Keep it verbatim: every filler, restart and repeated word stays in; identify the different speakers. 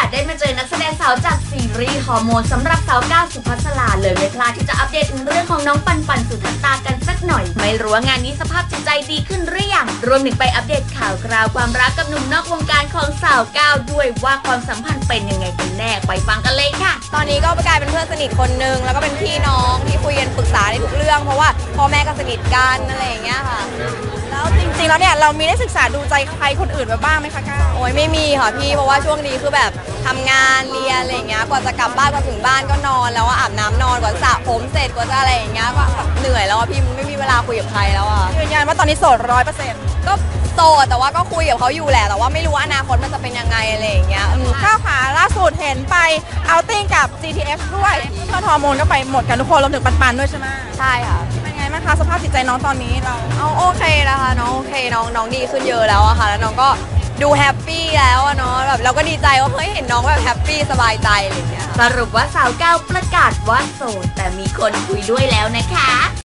Speaker 1: สได้มาเจอนักแสดงสาวจากซีรีส์ฮอร์โมนสำหรับสาวก้าวสุภัสสราเลยไม่พลาดที่จะอัปเดตถึงเรื่องของน้องปันปันสุทัศตากันสักหน่อยไม่รู้ว่างานนี้สภาพจิตใจดีขึ้นหรือยังรวมถึงไปอัปเดตข่าวคราวความรักกับหนุ่มนอกวงการของสาวก้าวด้วยว่าความสัมพันธ์เป็นยังไงกันแน่ไปฟังกันเลยค่ะ
Speaker 2: ตอนนี้ก็กลายเป็นเพื่อนสนิทคนนึงแล้วก็เป็นพี่น้องที่คุยกันปรึกษาในทุกเรื่องเพราะว่าพ่อแม่ก็สนิทกันอะไรอย่างเงี้ยค่ะ
Speaker 3: แล้วจริงๆแล้วเนี่ยเรามีได้ศึกษาดูใจใครคนอื่นมาบ้างไหมคะก้าว
Speaker 2: โอ้ยไม่มีค่ะพี่เพราะว่าช่วงนี้คือแบบทำงานเรียนอะไรอย่างเงี้ยกว่าจะกลับบ้านกว่าถึงบ้านก็นอนแล้วอาบน้ำนอนกว่าสระผมเสร็จกว่าจะอะไรอย่างเงี้ยก็เหนื่อยแล้วพี่ไม่มีเวลาคุยกับใครแล้วอ่ะ
Speaker 3: ยืนยันว่าตอนนี้โสดร้อยเปอร์เซ็นต์
Speaker 2: ก็โสดแต่ว่าก็คุยกับเขาอยู่แหละแต่ว่าไม่รู้ว่าอนาคตมันจะเป็นยังไงอะไรอย่างเงี้ย
Speaker 3: ก้าวขาล่าสุดเห็นไปเอาติ้งกับ จี ที เอฟ ด้วยเพื่อนฮอร์โมนก็ไปหมดกันทุกคนรวมถึงปันๆด้วยใช่ไหม
Speaker 2: ใช่ค่ะ
Speaker 3: เป็นไงบ้างคะสภาพจิตใจน้องตอนนี้เรา
Speaker 2: เอาโอเคนะคะน้องโอเคน้องน้องดีขึ้นเยอะแล้วอะค่ะแล้วน้องก็ดูแฮปปี้แล้วเนาะแบบเราก็ดีใจว่าเฮ้ยเห็นน้องแบบแฮปปี้สบายใจอะไรอย่างเงี้ย
Speaker 1: สรุปว่าสาวก้าวประกาศว่าโสดแต่มีคนคุยด้วยแล้วนะคะ